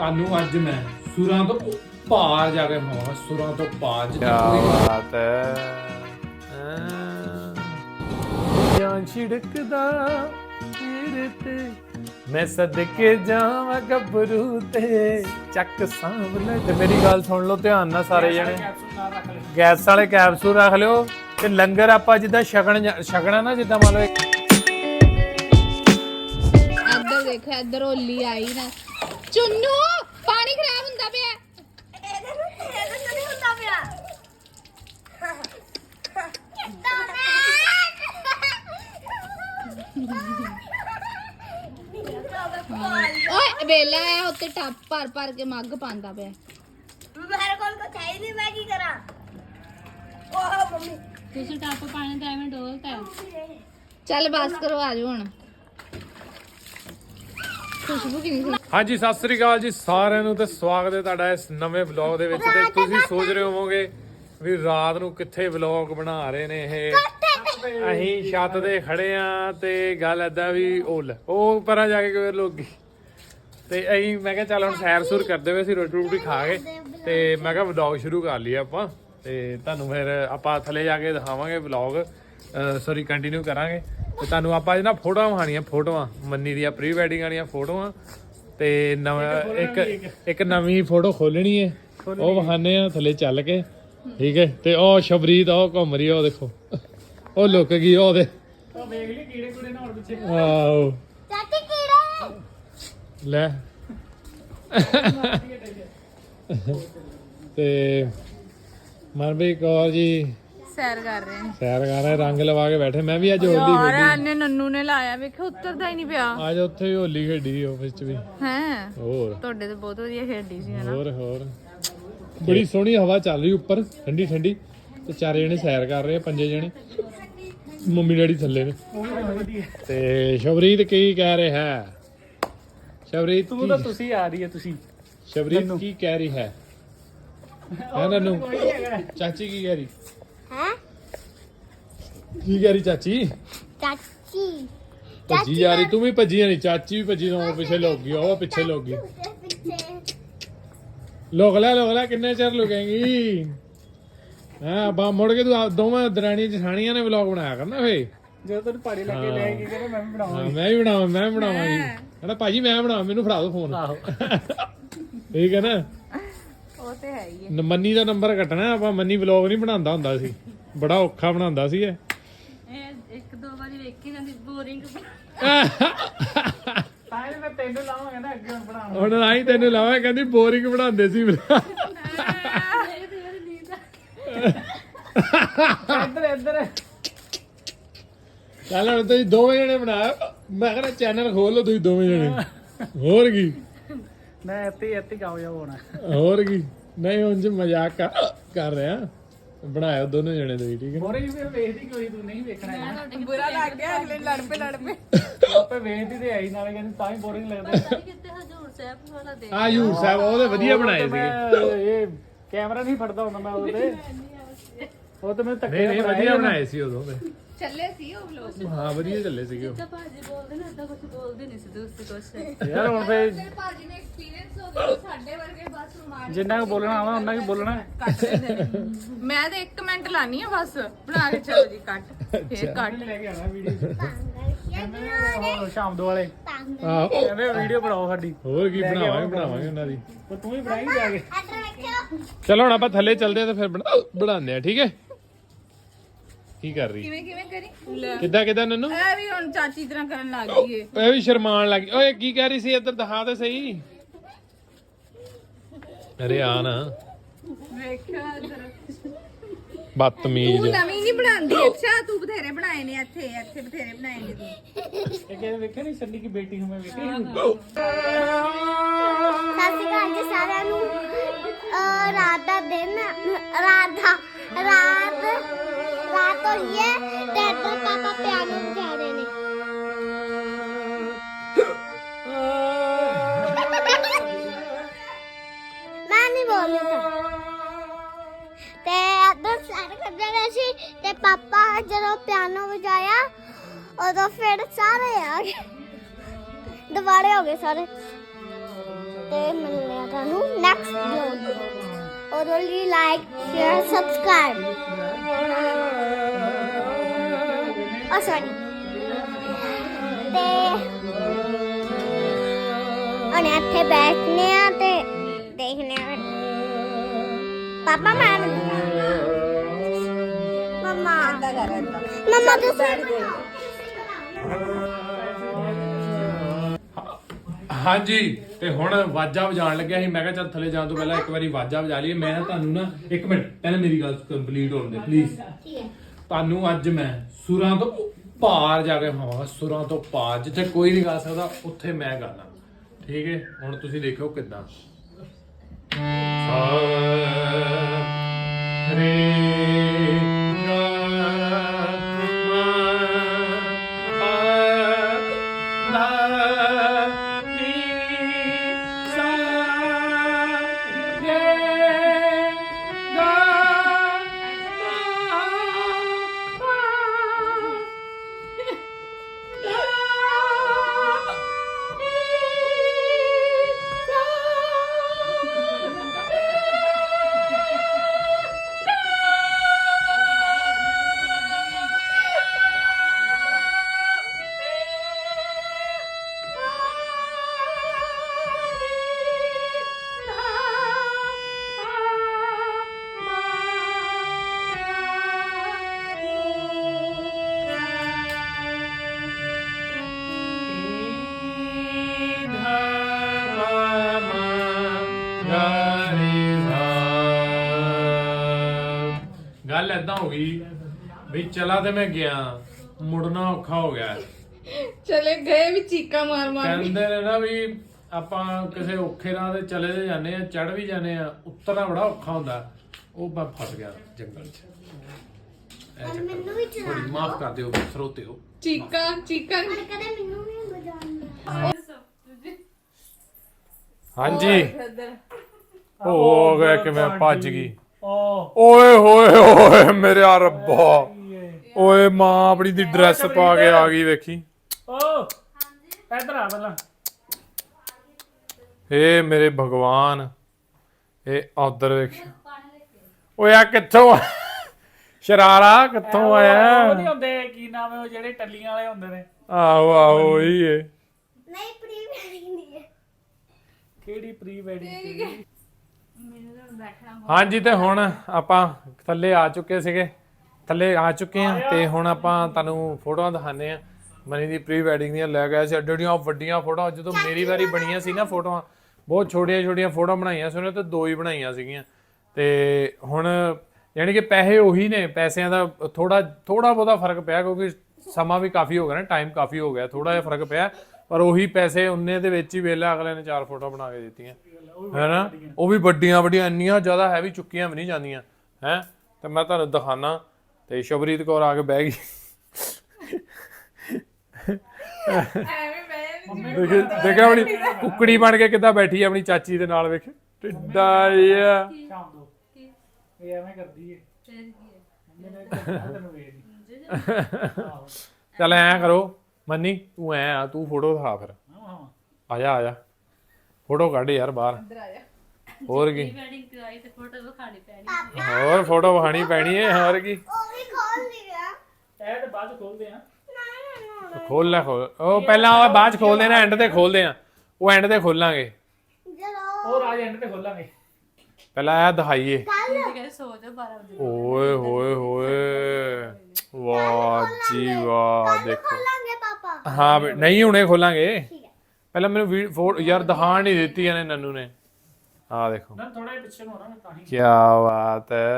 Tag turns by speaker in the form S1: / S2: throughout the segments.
S1: ਤੁਹਾਨੂੰ ਅੱਜ ਮੈਂ ਸੁਰਾਂ ਤੋਂ ਪਾਰ ਜਾ ਕੇ ਮਾਂ ਸੁਰਾਂ ਤੋਂ ਪਾਰ
S2: ਕੀ ਬਾਤ ਹੈ ਜਾਂ ਛਿੜਕਦਾ ਤੇਰੇ ਤੇ ਮੈਂ ਸਦਕੇ ਜਾਵਾਂ ਗੱਭਰੂ ਤੇ ਚੱਕ ਸਾਂਭਲੇ। ਤੇ ਮੇਰੀ ਗੱਲ ਸੁਣ ਲਓ ਧਿਆਨ ਨਾਲ ਸਾਰੇ ਜਣੇ, ਗੈਸ ਵਾਲੇ ਕੈਪਸੂਲ ਰੱਖ ਲਿਓ ਤੇ ਲੰਗਰ ਆਪਾਂ ਜਿੱਦਾਂ ਛਕਣਾ ਨਾ, ਜਿੱਦਾਂ ਮੰਨ ਲਓ
S3: ਇੱਧਰ ਦੇਖੋ, ਇੱਧਰ ਹੋਲੀ ਆਈ ਨਾ। ਚੁੰਨੂ ਪਾਣੀ ਖਰਾਬ ਹੁੰਦਾ ਪਿਆ। ਇਹਦੇ ਨਹੀਂ ਹੁੰਦਾ ਪਿਆ। ਓਏ ਵੇਲਾ ਆ ਉੱਤੇ ਟੱਪ ਭਰ ਭਰ ਕੇ ਮੱਗ ਪਾਉਂਦਾ ਪਿਆ।
S4: ਮੇਰੇ ਕੋਲ ਕੁਛ ਹੈ ਹੀ ਨਹੀਂ, ਮੈਂ ਕੀ ਕਰਾਂ? ਓਹ ਮੰਮੀ
S3: ਤੁਸੀਂ ਟੱਪ ਪਾਣੀ ਤਾਂ ਐਵੇਂ ਡੋਲਤਾ। ਚੱਲ ਬਸ ਕਰੋ, ਆ ਜਾਓ ਹੁਣ। ਖੁਸ਼ਬੂ ਕਿੰਨੀ ਸੋਹਣੀ।
S2: ਹਾਂਜੀ ਸਤਿ ਸ੍ਰੀ ਅਕਾਲ ਜੀ ਸਾਰਿਆਂ ਨੂੰ ਤੇ ਸਵਾਗਤ ਹੈ ਤੁਹਾਡਾ ਇਸ ਨਵੇਂ ਵਲੌਗ ਦੇ ਵਿੱਚ। ਤੇ ਤੁਸੀਂ ਸੋਚ ਰਹੇ ਹੋਵੋਗੇ ਵੀ ਰਾਤ ਨੂੰ ਕਿੱਥੇ ਵਲੌਗ ਬਣਾ ਰਹੇ ਨੇ ਇਹ। ਅਸੀਂ ਛੱਤ ਤੇ ਖੜੇ ਆ ਤੇ ਗੱਲ ਏਦਾਂ ਵੀ ਉਹ ਪਰਾਂ ਜਾ ਕੇ ਕੋਈ ਲੋਕੀ ਤੇ ਅਸੀਂ ਮੈਂ ਕਿਹਾ ਚੱਲ ਹੁਣ ਸੈਰ ਸੁਰ ਕਰਦੇ ਹੋਏ ਅਸੀਂ ਰੋਟੀ ਖਾ ਕੇ ਤੇ ਮੈਂ ਕਿਹਾ ਵਲੌਗ ਸ਼ੁਰੂ ਕਰ ਲਈਏ ਆਪਾਂ। ਤੇ ਤੁਹਾਨੂੰ ਫਿਰ ਆਪਾਂ ਥੱਲੇ ਜਾ ਕੇ ਦਿਖਾਵਾਂਗੇ ਵਲੌਗ, ਸੌਰੀ ਕੰਟੀਨਿਊ ਕਰਾਂਗੇ। ਤੇ ਤੁਹਾਨੂੰ ਆਪਾਂ ਅੱਜ ਨਾ ਫੋਟੋਆਂ ਵਿਖਾਣੀਆਂ, ਫੋਟੋਆਂ ਮੰਨੀ ਦੀਆਂ ਪ੍ਰੀ ਵੈਡਿੰਗ ਵਾਲੀਆਂ ਫੋਟੋਆਂ। ਤੇ ਨਵਾਂ ਇੱਕ ਨਵੀਂ ਫੋਟੋ ਖੋਲਣੀ ਹੈ, ਉਹ ਵਿਖਾਣੇ ਆ ਥੱਲੇ ਚੱਲ ਕੇ, ਠੀਕ ਹੈ। ਤੇ ਉਹ ਸ਼ਬਰੀਤ ਉਹ ਘੁੰਮ ਰਹੀ, ਉਹ ਦੇਖੋ ਉਹ ਲੁੱਕ ਗਈ, ਉਹ ਵੇਖ ਲਈ ਕੀੜੇ ਕੁੜੇ ਨਾਲ ਪਿੱਛੇ। ਆਹੋ
S4: ਚਾਚੀ ਕੀੜਾ
S2: ਲੈ ਤੇ ਮਨਪ੍ਰੀਤ ਕੌਰ ਜੀ
S3: ਸੈਰ ਕਰ ਰਹੇ ਨੇ।
S2: ਸੈਰ ਕਰ ਰਹੇ, ਰੰਗ ਲਵਾ ਕੇ ਬੈਠੇ। ਮੈਂ ਵੀ ਅੱਜ ਹੋਲੀ
S3: ਯਾਰ
S2: ਖੇਡੀ।
S3: ਇਹਨੇ ਨੰਨੂ ਨੇ ਲਾਇਆ, ਵੇਖੋ ਉਤਰਦਾ ਹੀ ਨਹੀਂ ਪਿਆ।
S2: ਅੱਜ ਉੱਥੇ ਵੀ ਹੋਲੀ ਖੇਡੀ ਆਫਿਸ ਚ ਵੀ।
S3: ਹੈ
S2: ਹੋਰ
S3: ਤੁਹਾਡੇ ਤੇ ਬਹੁਤ ਵਧੀਆ ਖੇਡੀ ਸੀ ਹਨਾ।
S2: ਹੋਰ ਬੜੀ ਸੋਹਣੀ ਹਵਾ ਚੱਲ ਰਹੀ ਉੱਪਰ, ਠੰਡੀ ਠੰਡੀ। ਤੇ ਚਾਰੇ ਜਣੇ ਸੈਰ ਕਰ ਰਹੇ ਆ, 5 ਜਣੇ। ਮੰਮੀ ਡੈਡੀ ਥੱਲੇ ਨੇ। ਤੇ ਸ਼ਬਰੀਤ ਕੀ ਕਹਿ ਰਿਹਾ ਹੈ? ਸ਼ਬਰੀਤ
S5: ਤੂੰ ਤਾਂ ਤੁਸੀਂ ਆ ਰਹੀ ਹੈ, ਤੁਸੀਂ
S2: ਸ਼ਬਰੀਤ ਕੀ ਕਹਿ ਰਹੀ ਹੈ? ਹੈ ਨੰਨੂ ਚਾਚੀ ਕੀ ਕਹਿ ਰਹੀ?
S4: ਹੈ
S2: ਕੀ ਕਹਿ ਰਹੀ ਚਾਚੀ?
S4: ਚਾਚੀ
S2: ਭੱਜੀ ਜਾ ਰਹੀ, ਤੂੰ ਵੀ ਭੱਜੀ ਨਹੀਂ, ਚਾਚੀ ਵੀ ਭੱਜੀ ਨਾ, ਪਿੱਛੇ ਲੁਕ ਗਈ, ਉਹ ਪਿੱਛੇ ਲੁਕ ਗਈ। ਲੁਕ ਲੈ ਕਿੰਨੇ ਚਿਰ ਲੁਕੇਂਗੀ? ਹਾਂ ਬਾ ਮੁੜ ਕੇ ਤੂੰ ਦੋਵਾਂ ਦਰਾਣੀਆਂ ਜਠਾਣੀਆਂ ਨੇ ਵਲੌਗ ਬਣਾਇਆ ਕਰਨਾ ਫੇ।
S5: ਜਦੋਂ ਤੈਨੂੰ ਪਹਾੜੀ ਲੈ ਕੇ ਜਾਏਗੀ ਕਹਿੰਦਾ ਮੈਂ ਵੀ ਬਣਾਵਾਂਗੀ।
S2: ਮੈਂ ਵੀ ਬਣਾਵਾਂਗੀ। ਕਹਿੰਦਾ ਭਾਜੀ ਮੈਂ ਬਣਾਵਾਂ, ਮੈਨੂੰ ਫੜਾ ਦਿਓ ਫੋਨ।
S5: ਆਹੋ
S2: ਠੀਕ ਹੈ ਨਾ।
S3: ਉਹ ਤੇ ਹੈ ਹੀ ਹੈ।
S2: ਮੰਨੀ ਦਾ ਨੰਬਰ ਕੱਟਣਾ ਆਪਾਂ। ਮੰਨੀ ਵਲੌਗ ਨਹੀਂ ਬਣਾਉਂਦਾ ਹੁੰਦਾ ਸੀ, ਬੜਾ ਔਖਾ ਬਣਾਉਂਦਾ ਸੀ ਇਹ।
S3: ਇੱਕ ਦੋ ਵਾਰੀ ਵੇਖੀ ਜਾਂਦੀ ਬੋਰਿੰਗ।
S5: ਤਾਂ ਇਹ ਮੈਂ ਤੈਨੂੰ ਲਾਵਾਂਗਾ ਨਾ ਅੱਗੇ ਹੁਣ ਬਣਾਵਾਂ।
S2: ਹੁਣ ਆਈ ਤੈਨੂੰ ਲਾਵਾਂ, ਕਹਿੰਦੀ ਬੋਰਿੰਗ ਬਣਾਉਂਦੇ ਸੀ।
S5: ਇੱਧਰ
S2: ਚੱਲ ਹੁਣ ਤੁਸੀਂ ਦੋਵੇਂ ਜਣੇ ਬਣਾਇਆ, ਮੈਂ ਕਹਿੰਦਾ ਚੈਨਲ ਖੋਲ ਲਓ ਤੁਸੀਂ ਦੋਵੇਂ ਜਣੇ। ਹੋਰ ਕੀ
S5: ਮੈਂ ਇੱਥੇ ਕਾਮਯਾਬ ਹੋਣਾ।
S2: ਹੋਰ ਕੀ ਨਹੀਂ, ਉਂਝ ਮਜ਼ਾਕ ਕਰ ਰਿਹਾ। ਬਣਾਇਓ ਦੋਨੋਂ ਜਣੇ ਤੁਸੀਂ, ਠੀਕ ਹੈ।
S5: ਹੋਰੇ ਵੀ ਫਿਰ ਵੇਖਦੀ ਕੋਈ, ਤੂੰ ਨਹੀਂ ਵੇਖਣਾ ਹੈ।
S3: ਬੁਰਾ ਲੱਗ ਗਿਆ, ਅਗਲੇ ਲੜ ਪਏ।
S5: ਆਪੇ ਵੇਖਦੀ ਤੇ ਆਈ, ਨਾਲੇ ਕਹਿੰਦੀ ਤਾਂ ਹੀ ਬੋਰਿੰਗ ਲੱਗਦਾ।
S3: ਕਿਤੇ ਹਜੂਰ ਸਾਹਿਬ ਵਾਲਾ ਦੇਖ।
S2: ਆ ਯੂ ਸਾਹਿਬ ਉਹਦੇ ਵਧੀਆ ਬਣਾਏ ਸੀਗੇ।
S5: ਇਹ ਕੈਮਰਾ ਨਹੀਂ ਫੜਦਾ ਹੁੰਦਾ ਮੈਂ ਉਹਦੇ, ਉਹ ਤੇ ਮੈਂ ਧੱਕੇ
S2: ਨਹੀਂ ਵਧੀਆ ਬਣਾਏ ਸੀ ਉਦੋਂ ਤੇ।
S3: ਚੱਲੇ ਸੀ ਉਹ ਵਲੋਗ।
S2: ਹਾਂ ਵਧੀਆ ਚੱਲੇ ਸੀਗੇ ਉਹ।
S3: ਤਾਂ ਭਾਜੀ ਬੋਲਦੇ ਨੇ, ਏਦਾਂ ਕੁਝ ਬੋਲਦੇ ਨਹੀਂ ਸੀ ਦੂਸਰੀ ਕੁਛ।
S5: ਯਾਰ ਹੁਣ ਫੇ
S3: ਭਾਜੀ ਨੇ ਐਕਸਪੀਰੀਅੰਸ ਹੋ ਗਿਆ, ਸਾਡੇ ਵਰਗੇ ਬਸ ਰੁਮਾਨ
S5: ਜਿੰਨਾ ਕੁ ਬੋਲਣਾ ਆਵਾ ਉਹਨਾਂ ਕੀ ਬੋਲਣਾ।
S3: ਕੱਟ ਦਿੰਦੇ ਨੇ। ਮੈਂ ਤਾਂ 1 ਮਿੰਟ ਲਾਣੀ ਆ ਬਸ, ਬਣਾ ਕੇ ਚਲੋ ਜੀ ਕੱਟ। ਫੇਰ ਕੱਟ
S5: ਲੈ ਕੇ ਆਣਾ ਵੀਡੀਓ ਸ਼ਾਮ ਦੋ ਵਾਲੇ
S2: ਆਹੋ
S5: ਕਹਿੰਦੇ ਵੀਡੀਓ ਬਣਾਓ ਸਾਡੀ।
S2: ਹੋਰ ਕੀ ਬਣਾਵਾਂਗੇ ਉਹਨਾਂ ਦੀ।
S5: ਪਰ ਤੂੰ ਹੀ ਬਣਾਈ ਜਾ ਕੇ।
S4: ਇੱਧਰ ਵੇਖਿਓ
S2: ਚਲੋ ਹੁਣ ਆਪਾਂ ਥੱਲੇ ਚੱਲਦੇ ਆ ਤੇ ਫਿਰ ਬਣਾਉਂਦੇ ਆ, ਠੀਕ ਹੈ। ਕੀ ਕਰ ਰਹੀ?
S3: ਕਿਵੇਂ ਕਰੀ ਲੈ
S2: ਕਿੱਦਾਂ ਨੰਨੂ?
S3: ਇਹ ਵੀ ਹੁਣ ਚਾਚੀ ਤਰ੍ਹਾਂ ਕਰਨ ਲੱਗ ਗਈ ਏ।
S2: ਇਹ ਵੀ ਸ਼ਰਮਾਨ ਲੱਗ ਗਈ। ਓਏ ਕੀ ਕਹਿ ਰਹੀ ਸੀ? ਇੱਧਰ ਦਿਖਾ ਤੇ ਸਹੀ। ਅਰੇ ਆ ਨਾ
S3: ਵੇਖਿਆ ਜਰਾ।
S2: ਬਦਤਮੀਜ਼।
S3: ਤੂੰ ਨਵੀਂ ਨਹੀਂ ਬਣਾਉਂਦੀ। ਅੱਛਾ ਤੂੰ ਬਥੇਰੇ ਬਣਾਏ ਨੇ, ਇੱਥੇ ਬਥੇਰੇ ਬਣਾਏ ਨੇ ਤੂੰ।
S5: ਇਹ ਕਹਿੰਦੇ ਵੇਖਿਆ ਨਹੀਂ ਸੰਨੀ ਕੀ ਬੇਟੀ ਹੂੰ ਮੈਂ ਵੇਖੀ।
S4: ਸਤਿ ਸ਼੍ਰੀ ਅਕਾਲ ਜੀ ਸਾਰਿਆਂ ਨੂੰ। ਰਾਤ ਦਾ ਦਿਨ, ਰਾਤ ਹੋਈ ਹੈ ਤੇ ਇੱਧਰ ਪਾਪਾ ਪਿਆਨੋ ਵਜਾ ਰਹੇ ਨੇ। ਮੈਂ ਨਹੀਂ ਬੋਲਦੀ ਤੇ ਇੱਧਰ ਸਾਰੇ ਕਰਦੇ ਰਹੇ ਸੀ ਤੇ ਪਾਪਾ ਜਦੋਂ ਪਿਆਨੋ ਵਜਾਇਆ ਉਦੋਂ ਫਿਰ ਸਾਰੇ ਆ ਗਏ, ਦੁਬਾਰੇ ਹੋ ਗਏ ਸਾਰੇ ਤੇ ਮਿਲਨੇ ਤੁਹਾਨੂੰ ਨੈਕਸਟ ਵਲੌਗ ਔਰ ਲਈ ਲਾਈਕ ਸ਼ੇਅਰ ਸਬਸਕ੍ਰਾਈਬ ਸੌਰੀ ਤੇ ਹੁਣ ਇੱਥੇ ਬੈਠਨੇ ਆ ਤੇ ਦੇਖਨੇ ਆ ਪਾਪਾ ਮੈਂ ਮਮਾ ਤੁਸੀਂ
S2: ਹਾਂਜੀ ਤੇ ਹੁਣ ਵਾਜਾ ਵਜਾਉਣ ਲੱਗਿਆ ਸੀ। ਮੈਂ ਕਿਹਾ ਚੱਲ ਥੱਲੇ ਜਾਣ ਤੋਂ ਪਹਿਲਾਂ ਇੱਕ ਵਾਰੀ ਵਾਜਾ ਵਜਾ ਲਈਏ। ਮੈਂ ਤੁਹਾਨੂੰ ਨਾ ਇੱਕ ਮਿੰਟ ਪਹਿਲਾਂ ਮੇਰੀ ਗੱਲ ਕੰਪਲੀਟ ਹੋਣ ਦੇ ਪਲੀਜ਼। ਤੁਹਾਨੂੰ ਅੱਜ ਮੈਂ ਸੁਰਾਂ ਤੋਂ ਪਾਰ ਜਾ ਕੇ ਵਿਖਾਵਾਂਗਾ, ਸੁਰਾਂ ਤੋਂ ਪਾਰ, ਜਿੱਥੇ ਕੋਈ ਨਹੀਂ ਗਾ ਸਕਦਾ ਉੱਥੇ ਮੈਂ ਗਾਣਾ। ਠੀਕ ਹੈ, ਹੁਣ ਤੁਸੀਂ ਦੇਖੋ ਕਿੱਦਾਂ। ਗੱਲ ਏਦਾਂ ਹੋ ਗਈ ਵੀ ਚਲਾ ਤੇ ਮੈਂ ਗਿਆ, ਮੁੜਨਾ ਔਖਾ ਹੋ ਗਿਆ।
S3: ਚਲੇ ਗਏ ਵੀ ਚੀਕਾਂ ਮਾਰ ਮਾਰ
S2: ਕਹਿੰਦੇ ਨੇ ਨਾ ਵੀ ਆਪਾਂ ਕਿਸੇ ਔਖੇ ਰਾਹ ਤੇ ਚਲੇ ਤੇ ਜਾਂਦੇ ਆ, ਚੜ ਵੀ ਜਾਂਦੇ ਆ, ਉਤਰਨਾ ਬੜਾ ਔਖਾ ਹੁੰਦਾ। ਉਹ ਮੈਂ ਫਸ ਗਿਆ ਜੰਗਲ 'ਚ।
S4: ਮੈਨੂੰ ਵੀ ਚਲਾ
S2: ਥੋੜੀ ਮਾਫ ਕਰ ਦਿਓ ਸਰੋਤਿਓ।
S3: ਚੀਕਾਂ ਚੀਕਾਂ
S4: ਕਦੇ ਮੈਨੂੰ ਵੀ ਬਜਾਉਣਾ
S2: ਹਾਂਜੀ ਹੋ ਗਿਆ ਕਿ ਮੈਂ ਭੱਜ ਗਈ।
S5: ਓ
S2: ਓਏ ਹੋਏ ਓਏ ਮੇਰੇ ਰੱਬਾ, ਓਏ ਮਾਂ ਆਪਣੀ ਦੀ ਡਰੈਸ ਪਾ ਕੇ ਆ ਗਈ ਵੇਖੀ।
S5: ਓ ਇੱਧਰ ਆ ਪਹਿਲਾਂ।
S2: ਏ ਮੇਰੇ ਭਗਵਾਨ, ਇਹ ਉਧਰ ਵੇਖ। ਓਏ ਆ ਕਿੱਥੋਂ ਸ਼ਰਾਰਾ ਕਿੱਥੋਂ ਆਇਆ?
S5: ਉਹ ਨਹੀਂ ਹੁੰਦੇ, ਕੀ ਨਾਮ ਹੈ ਉਹ ਜਿਹੜੇ ਟੱਲੀਆਂ ਵਾਲੇ ਹੁੰਦੇ ਨੇ?
S2: ਆਹੋ ਆਹੋ ਉਹੀ ਏ।
S4: ਨਹੀਂ ਪ੍ਰੀ ਵੈਡਿੰਗ ਦੀ ਹੈ।
S5: ਕਿਹੜੀ ਪ੍ਰੀ ਵੈਡਿੰਗ?
S2: ਹਾਂਜੀ ਤੇ ਹੁਣ ਆਪਾਂ ਥੱਲੇ ਆ ਚੁੱਕੇ ਸੀਗੇ, ਥੱਲੇ ਆ ਚੁੱਕੇ ਆ ਤੇ ਹੁਣ ਆਪਾਂ ਤੁਹਾਨੂੰ ਫੋਟੋਆਂ ਦਿਖਾਣੇ ਆ ਮਨੀ ਦੀ ਪ੍ਰੀ ਵੈਡਿੰਗ ਦੀਆਂ। ਲੈ ਗਏ ਸੀ ਐਡੀਆਂ ਵੱਡੀਆਂ ਫੋਟੋਆਂ। ਜਦੋਂ ਮੇਰੀ ਵਾਰੀ ਬਣੀਆਂ ਸੀ ਨਾ ਫੋਟੋਆਂ, ਬਹੁਤ ਛੋਟੀਆਂ ਛੋਟੀਆਂ ਫੋਟੋਆਂ ਬਣਾਈਆਂ ਸੀ ਉਹਨੇ, ਤੇ 2 ਹੀ ਬਣਾਈਆਂ ਸੀਗੀਆਂ। ਤੇ ਹੁਣ ਯਾਨੀ ਕਿ ਪੈਸੇ ਉਹੀ ਨੇ, ਪੈਸਿਆਂ ਦਾ ਥੋੜਾ ਬਹੁਤਾ ਫਰਕ ਪਿਆ ਕਿਉਂਕਿ ਸਮਾਂ ਵੀ ਕਾਫੀ ਹੋ ਗਿਆ ਨਾ, ਟਾਈਮ ਕਾਫੀ ਹੋ ਗਿਆ, ਥੋੜਾ ਜਿਹਾ ਫਰਕ ਪਿਆ, ਪਰ ਉਹੀ ਪੈਸੇ ਉਨੇ ਦੇ ਵਿੱਚ ਹੀ ਵੇਲਾ ਅਗਲੇ ਨੇ 4 ਫੋਟੋਆਂ ਬਣਾ ਕੇ ਦਿੱਤੀਆਂ ਹੈ ਨਾ। ਉਹ ਵੀ ਵੱਡੀਆਂ ਵੱਡੀਆਂ, ਇੰਨੀਆਂ ਜ਼ਿਆਦਾ ਹੈਵੀ ਚੁੱਕੀਆਂ ਵੀ ਨਹੀਂ ਜਾਂਦੀਆਂ ਹੈ। ਤੇ ਮੈਂ ਤੁਹਾਨੂੰ ਦਿਖਾਣਾ। ਤੇ ਸ਼ਬਰੀਤ ਕੌਰ ਆ ਕੇ ਬਹਿ ਗਈ। ਦੇਖਿਆ ਆਪਣੀ ਕੁੱਕੜੀ ਬਣ ਕੇ ਕਿੱਦਾਂ ਬੈਠੀ ਆਪਣੀ ਚਾਚੀ ਦੇ ਨਾਲ, ਵੇਖ ਟਿੱਡਾ ਜਿਹਾ।
S5: ਸ਼ਾਮ ਦੋ ਇਹ ਐਵੇਂ ਕਰਦੀ ਏ। ਮੇਰੇ ਤੈਨੂੰ ਵੇਖ ਨਹੀਂ।
S2: ਚੱਲ ਐਂ ਕਰੋ ਮੰਨੀ, ਤੂੰ ਐ ਆ, ਤੂੰ ਫੋਟੋ ਦਿਖਾ ਫਿਰ। ਆ ਜਾ ਫੋਟੋ ਕੱਢ ਯਾਰ ਬਾਹਰ। ਹੋਰ ਕੀ, ਹੋਰ ਫੋਟੋ ਵਿਖਾਣੀ ਪੈਣੀ ਹੈ, ਹੋਰ ਕੀ।
S4: ਉਹ ਵੀ ਖੋਲ ਲਿਆ।
S5: ਇਹ ਤੇ ਬਾਅਦ ਚ ਖੋਲਦੇ ਆ।
S2: ਖੋਲ ਲੈ ਖੋਲ, ਉਹ ਪਹਿਲਾਂ ਉਹ ਬਾਅਦ ਚ ਖੋਲਦੇ ਨਾ, ਐਂਡ ਤੇ ਖੋਲਦੇ ਆ, ਉਹ ਐਂਡ ਤੇ ਖੋਲਾਂਗੇ।
S4: ਚਲੋ
S5: ਉਹ ਰਾਜ ਐਂਡ ਤੇ ਖੋਲਾਂਗੇ।
S2: ਪਹਿਲਾਂ ਇਹ ਦਿਖਾਈਏ। ਓਏ ਹੋਏ ਹੋਏ, ਵਾਹ ਜੀ ਵਾਹ, ਦੇਖੋ।
S4: ਖੋਲਾਂਗੇ ਪਾਪਾ।
S2: ਹਾਂ ਨਹੀਂ ਹੁਣੇ ਖੋਲਾਂਗੇ,
S4: ਠੀਕ ਹੈ।
S2: ਪਹਿਲਾਂ ਮੈਨੂੰ ਫੋਟੋ ਯਾਰ ਦਿਖਾਣ ਨਹੀਂ ਦਿੱਤੀ ਇਹਨੇ ਨੰਨੂ ਨੇ। ਆ ਦੇਖੋ
S5: ਨਾ ਥੋੜਾ ਜਿਹਾ ਪਿੱਛੇ ਨੂੰ ਹੋਣਾ ਤਾਂ ਹੀ।
S2: ਕੀ ਬਾਤ ਹੈ।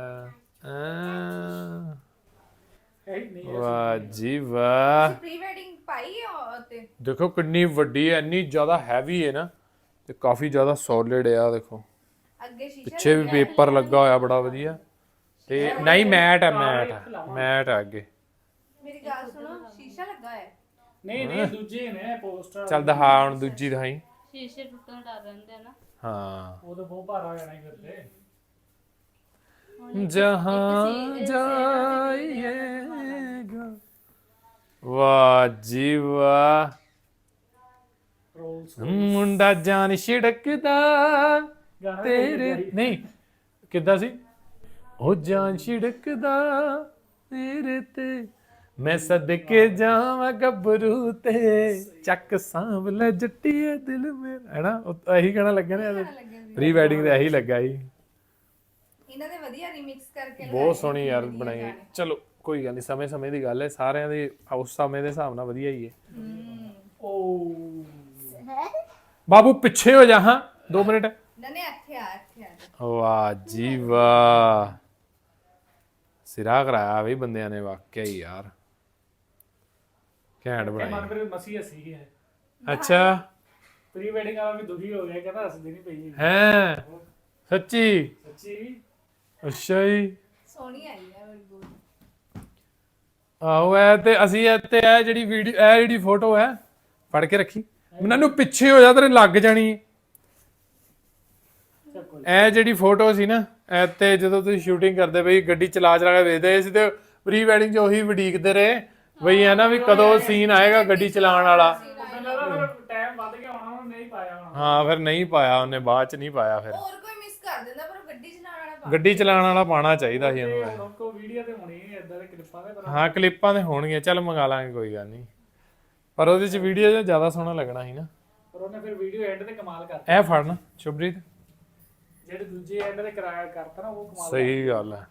S5: ਇਹ ਨਹੀਂ
S2: ਵਾਹ ਜੀ ਵਾਹ,
S3: ਪ੍ਰੀ ਵੈਡਿੰਗ ਪਾਈ ਹੈ ਤੇ
S2: ਦੇਖੋ ਕਿੰਨੀ ਵੱਡੀ ਹੈ, ਇੰਨੀ ਜ਼ਿਆਦਾ ਹੈਵੀ ਹੈ ਨਾ, ਤੇ ਕਾਫੀ ਜ਼ਿਆਦਾ ਸੋਲਿਡ ਆ। ਦੇਖੋ
S3: ਅੱਗੇ ਸ਼ੀਸ਼ਾ
S2: ਪਿੱਛੇ ਵੀ ਪੇਪਰ ਲੱਗਾ ਹੋਇਆ ਬੜਾ ਵਧੀਆ, ਤੇ ਨਹੀਂ ਮੈਟ ਹੈ ਅੱਗੇ।
S3: ਮੇਰੀ ਗੱਲ ਸੁਣੋ, ਸ਼ੀਸ਼ਾ ਲੱਗਾ ਹੈ।
S5: ਨਹੀਂ ਦੂਜੇ ਨੇ ਪੋਸਟਰ।
S2: ਚੱਲ ਦਿਖਾ ਹੁਣ ਦੂਜੀ ਦਿਖਾਈ।
S6: ਸ਼ੀਸ਼ੇ ਟੁੱਟਣ ਡਰ ਰਹਿੰਦੇ ਆ ਨਾ।
S2: ਹਾਂ,
S5: ਉਹ ਤਾਂ ਬਹੁਤ ਭਾਰਾ ਹੋ ਜਾਣਾ ਹੀ ਫਿਰ ਤੇ।
S2: ਜਹਾਂ ਜਾਈਏਗਾ। ਵਾਹ ਜੀ ਵਾਹ,
S5: ਰੋਲਸ
S2: ਮੁੰਡਾ ਜਾਨ ਛਿੜਕਦਾ
S5: ਗਾਣਾ
S2: ਤੇਰੇ ਨਹੀਂ ਕਿੱਦਾਂ ਸੀ ਉਹ ਜਾਨ ਛਿੜਕਦਾ ਤੇਰੇ ਤੇ ਮੈਂ ਸਦਕੇ ਜਾਵਾਂ ਗੱਭਰੂ ਤੇ ਚੱਕ ਸਾਂਭ ਲੈ ਜੱਟੀਏ ਦਿਲ ਮੇਰਾ ਹੈ ਨਾ ਇਹੀ ਗਾਣਾ ਲੱਗਿਆ ਨਾ ਪ੍ਰੀ ਵੈਡਿੰਗ ਤੇ ਇਹੀ ਲੱਗਾ ਸੀ
S3: ਇਹਨਾਂ ਦੇ ਵਧੀਆ ਰੀਮਿਕਸ ਕਰਕੇ
S2: ਬਹੁਤ ਸੋਹਣੀ ਯਾਰ ਬਣਾਈ ਹੈ। ਚਲੋ ਕੋਈ ਗੱਲ ਨਹੀਂ ਸਮੇਂ ਦੀ ਗੱਲ ਹੈ ਸਾਰਿਆਂ ਦੀ ਉਸ ਸਮੇਂ ਦੇ ਹਿਸਾਬ ਨਾਲ ਵਧੀਆ ਹੀ ਹੈ
S5: ਉਹ
S2: ਬਾਬੂ ਪਿੱਛੇ ਹੋ ਜਾ ਹਾਂ 2 ਮਿੰਟ
S3: ਨਨੇ ਇੱਥੇ ਆ
S2: ਵਾਹ ਜੀ ਵਾਹ ਸਿਰਾ ਕਰਾਇਆ ਵੀ ਬੰਦਿਆਂ ਨੇ ਵਾਕਿਆ ਹੀ ਯਾਰ ਘੈਂਟ ਬਣਾਈ
S5: ਮਨਪ੍ਰੀਤ ਮਸੀ ਹੱਸੀ ਹੈ
S2: ਅੱਛਾ
S5: ਪ੍ਰੀ ਵੈਡਿੰਗ ਵਾਲਾ ਵੀ ਦੁਖੀ ਹੋ ਗਿਆ ਕਹਿੰਦਾ ਹੱਸਦੀ ਨਹੀਂ ਪਈ
S2: ਹੈ ਸੱਚੀ
S5: ਸੱਚੀ
S2: ਅੱਛਾ ਜੀ
S3: ਸੋਹਣੀ ਆਈ ਹੈ ਬੜੀ ਬਹੁਤ
S2: ਆਹੋ ਐ ਤੇ ਅਸੀਂ ਇਹ ਜਿਹੜੀ ਵੀਡੀਓ ਇਹ ਜਿਹੜੀ ਫੋਟੋ ਹੈ ਫੜ ਕੇ ਰੱਖੀ ਮੈਨੂੰ ਪਿੱਛੇ ਹੋ ਜਾ ਤੇਰੇ ਲੱਗ ਜਾਣੀ ਇਹ ਜਿਹੜੀ ਫੋਟੋ ਸੀ ਨਾ ਇਹ ਤੇ ਜਦੋਂ ਤੁਸੀਂ ਸ਼ੂਟਿੰਗ ਕਰਦੇ ਬਈ ਗੱਡੀ ਚਲਾ ਕੇ ਵੇਖਦੇ ਸੀ ਤੇ ਪ੍ਰੀ ਵੈਡਿੰਗ 'ਚ ਉਹੀ ਵਡੀਕਦੇ ਰਹੇ ਬਈ ਹੈ ਨਾ ਵੀ ਕਦੋਂ ਸੀਨ ਆਏਗਾ ਗੱਡੀ ਚਲਾਉਣ ਵਾਲਾ
S5: ਟਾਈਮ ਵੱਧ ਗਿਆ ਹੋਣਾ ਉਹਨੇ ਨਹੀਂ ਪਾਇਆ ਹੋਣਾ
S2: ਹਾਂ ਫਿਰ ਨਹੀਂ ਪਾਇਆ ਉਹਨੇ ਬਾਅਦ 'ਚ ਨਹੀਂ ਪਾਇਆ ਫਿਰ
S3: ਹੋਰ ਕੋਈ ਮਿਸ ਕਰ ਦਿੰਦਾ ਪਰ ਗੱਡੀ ਚਲਾਉਣ ਵਾਲਾ
S2: ਗੱਡੀ ਚਲਾਉਣ ਵਾਲਾ ਪਾਣਾ ਚਾਹੀਦਾ ਸੀ ਇਹਨੂੰ
S5: ਹੁਣ ਕੋ ਵੀਡੀਓ ਤੇ ਹੋਣੀ ਹੈ ਇਦਾਂ ਦੇ ਕਲਿੱਪਾਂ ਦੇ ਪਰ
S2: ਹਾਂ ਕਲਿੱਪਾਂ ਤੇ ਹੋਣਗੀਆਂ ਚੱਲ ਮੰਗਾ ਲਾਂਗੇ ਕੋਈ ਗੱਲ ਨਹੀਂ ਪਰ ਉਹਦੇ 'ਚ ਵੀਡੀਓ ਜ਼ਿਆਦਾ ਸੋਹਣਾ ਲੱਗਣਾ ਸੀ ਨਾ
S5: ਪਰ ਉਹਨੇ ਫਿਰ ਵੀਡੀਓ ਐਂਡ ਤੇ ਕਮਾਲ ਕਰਤਾ
S2: ਇਹ ਫੜਨਾ ਸ਼ੁਭਰੀਤ
S5: ਜਿਹੜੇ ਦੂਜੇ ਐਂਡ ਤੇ ਕਰਾਇਆ ਕਰਤਾ ਨਾ ਉਹ ਕਮਾਲ
S2: ਸਹੀ ਗੱਲ ਹੈ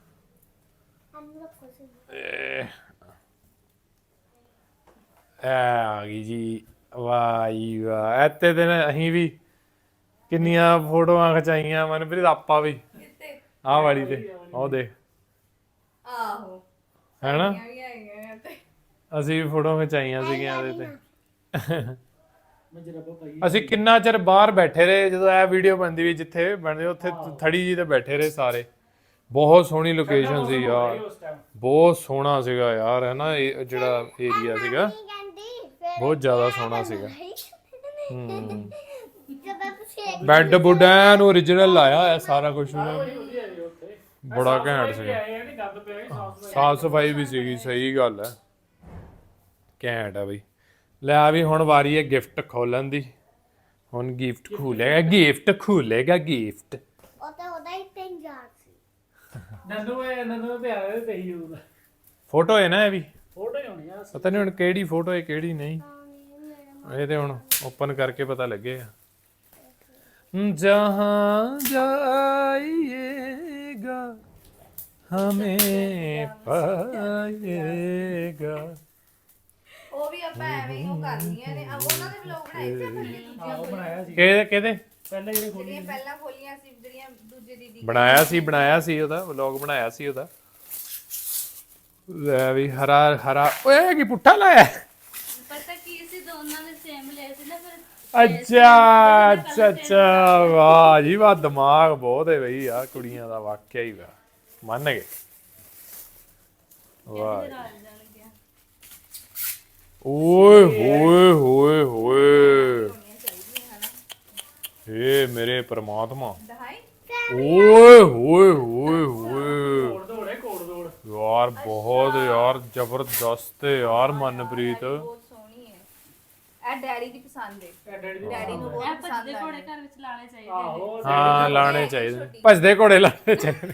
S2: ਇਹ ਆ ਗਈ ਜੀ ਵਾਹ ਜੀ ਵਾਹ ਇੱਥੇ ਤੇ ਨਾ ਅਸੀਂ ਵੀ ਕਿੰਨੀਆਂ ਫੋਟੋਆਂ ਖਿਚਾਈਆਂ ਮਨਪ੍ਰੀਤ ਆਪਾਂ ਵੀ
S3: ਕਿਤੇ
S2: ਆਹ ਵਾਲੀ ਤੇ ਉਹ ਦੇਖ
S3: ਆਹੋ
S2: ਹੈਨਾ
S3: ਵੀ ਆਈਆਂ ਤੇ
S2: ਅਸੀਂ ਵੀ ਫੋਟੋਆਂ ਖਿਚਾਈਆਂ ਸੀਗੀਆਂ ਇਹਦੇ ਤੇ
S5: ਮੈਂ ਜਰਬਾ ਪਾਈ
S2: ਅਸੀਂ ਕਿੰਨਾ ਚਿਰ ਬਾਹਰ ਬੈਠੇ ਰਹੇ ਜਦੋਂ ਇਹ ਵੀਡੀਓ ਬਣਦੀ ਵੀ ਜਿੱਥੇ ਬਣਦੇ ਉੱਥੇ ਥੜੀ ਜੀ ਤੇ ਬੈਠੇ ਰਹੇ ਸਾਰੇ ਬਹੁਤ ਸੋਹਣੀ ਲੋਕੇਸ਼ਨ ਸੀ ਯਾਰ
S5: ਉਸ ਟਾਈਮ
S2: ਬਹੁਤ ਸੋਹਣਾ ਸੀਗਾ ਯਾਰ ਹੈ ਨਾ ਇਹ ਜਿਹੜਾ ਏਰੀਆ ਸੀਗਾ ਬਹੁਤ ਜ਼ਿਆਦਾ ਸੋਹਣਾ ਸੀਗਾ ਬੈੱਡ ਬੁੱਡ ਐਨ ਓਰੀਜਨਲ ਲਾਇਆ ਹੋਇਆ ਸਾਰਾ ਕੁਝ
S5: ਵਧੀਆ ਜੀ ਉੱਥੇ
S2: ਬੜਾ ਘੈਂਟ ਸੀਗਾ
S5: ਆਏ ਨਹੀਂ ਗੰਦ ਪਿਆ ਸੀ ਸਾਫ
S2: ਸਾਫ ਸਫਾਈ ਵੀ ਸੀਗੀ ਸਹੀ ਗੱਲ ਹੈ ਘੈਂਟ ਆ ਬਈ ਲੈ ਆ ਵੀ ਹੁਣ ਵਾਰੀ ਹੈ ਗਿਫਟ ਖੋਲਣ ਦੀ ਹੁਣ ਗਿਫਟ ਖੋਲੇਗਾ ਗਿਫਟ
S4: ਉਹ ਤਾਂ ਉਹਦਾ ਹੀ 3000 ਸੀ
S5: ਨੰਨੂ ਤੇ ਆਇਆ ਤੇ ਹੀ ਉਹਦਾ
S2: ਫੋਟੋ ਹੈ ਨਾ ਇਹ ਵੀ
S5: ਫੋਟੋ ਹੀ ਹੋਣੀ ਆ
S2: ਪਤਾ ਨਹੀਂ ਹੁਣ ਕਿਹੜੀ ਫੋਟੋ ਹੈ ਕਿਹੜੀ ਨਹੀਂ ਇਹ ਤੇ ਹੁਣ ਓਪਨ ਕਰਕੇ ਪਤਾ ਲੱਗੇਗਾ ਜਹਾਂ ਜਾਈਏਗਾ ਹਮੇਂ ਪਾਏਗਾ
S3: ਉਹ ਵੀ ਆਪਾਂ ਐਵੇਂ ਹੀ ਉਹ ਕਰਨੀਆਂ ਨੇ ਆ ਉਹਨਾਂ ਦੇ ਵਲੌਗ ਬਣਾਏ ਸੀ ਆਪਾਂ ਨੇ ਦੂਜੀਆਂ
S5: ਉਹ ਬਣਾਇਆ ਸੀ
S2: ਕਿਹਦੇ
S5: ਪਹਿਲਾਂ ਜਿਹੜੇ ਖੋਲੀ
S3: ਜਿਹੜੀਆਂ ਪਹਿਲਾਂ ਖੋਲੀਆਂ ਸੀ ਜਿਹੜੀਆਂ ਦੂਜੇ ਦੀਦੀ
S2: ਬਣਾਇਆ ਸੀ ਉਹਦਾ ਵਲੌਗ ਬਣਾਇਆ ਸੀ ਉਹਦਾ ਲੈ ਵੀ ਹਰਾ ਓਏ ਕੀ ਪੁੱਠਾ ਲਾਇਆ
S6: ਪਤਾ ਕੀ ਸੀ ਦੋਨਾਂ ਨੇ ਸੇਮ ਲਏ ਸੀ ਨਾ ਫਿਰ
S2: ਅੱਛਾ ਵਾਹ ਜੀ ਵਾਹ ਦਿਮਾਗ ਬਹੁਤ ਹੈ ਬਈ ਆ ਕੁੜੀਆਂ ਦਾ ਵਾਕਿਆ ਹੀ ਵਾ ਮੰਨ ਗਏ ਵਾਹ
S6: ਰਾਜ ਜਾਣ ਗਿਆ
S2: ਓਏ ਹੋਏ ਹੋਏ ਹੋਏ ਏ ਮੇਰੇ ਪ੍ਰਮਾਤਮਾ
S3: ਦਹਾਈ
S2: ਓਏ ਹੋਏ ਹੋਏ ਹੋਏ
S5: ਕੋੜ ਦੌੜ
S2: ਯਾਰ ਬਹੁਤ ਯਾਰ ਜ਼ਬਰਦਸਤ ਹੈ ਯਾਰ ਮਨਪ੍ਰੀਤ
S3: ਬਹੁਤ ਸੋਹਣੀ ਹੈ ਇਹ ਡੈਡੀ ਦੀ ਪਸੰਦ ਹੈ
S5: ਡੈਡੀ
S3: ਡੈਡੀ ਨੂੰ
S6: ਇਹ
S3: ਬਹੁਤ
S6: ਭੱਜਦੇ
S3: ਪਸੰਦ
S6: ਘੋੜੇ
S3: ਹੈ
S6: ਘਰ ਵਿੱਚ ਲਾਣੇ ਚਾਹੀਦੇ ਨੇ
S5: ਆਹੋ
S2: ਹਾਂ ਲਾਣੇ ਚਾਹੀਦੇ ਭੱਜਦੇ ਘੋੜੇ ਲਾਣੇ ਚਾਹੀਦੇ